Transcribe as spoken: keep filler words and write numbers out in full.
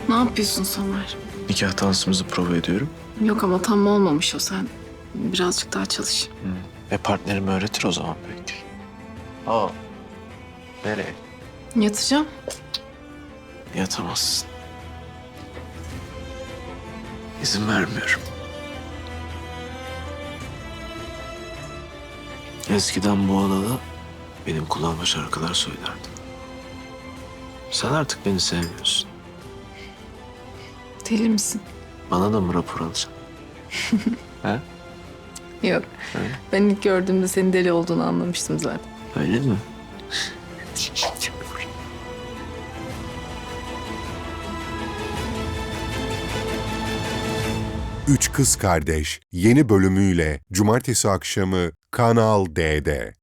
Ne yapıyorsun Somer? Nikah dansımızı prova ediyorum. Yok ama tam olmamış o, sen birazcık daha çalış. Ve partnerim öğretir o zaman belki. Aa. Nereye? Yatacağım. Yatamazsın. İzin vermiyorum. Eskiden bu odada benim kulağıma şarkılar söylerdin. Sen artık beni sevmiyorsun. Deli misin? Bana da mı rapor alacaksın? He? Yok. Öyle. Ben ilk gördüğümde senin deli olduğunu anlamıştım zaten. Öyle mi? Üç Kız Kardeş yeni bölümüyle Cumartesi akşamı Kanal D'de.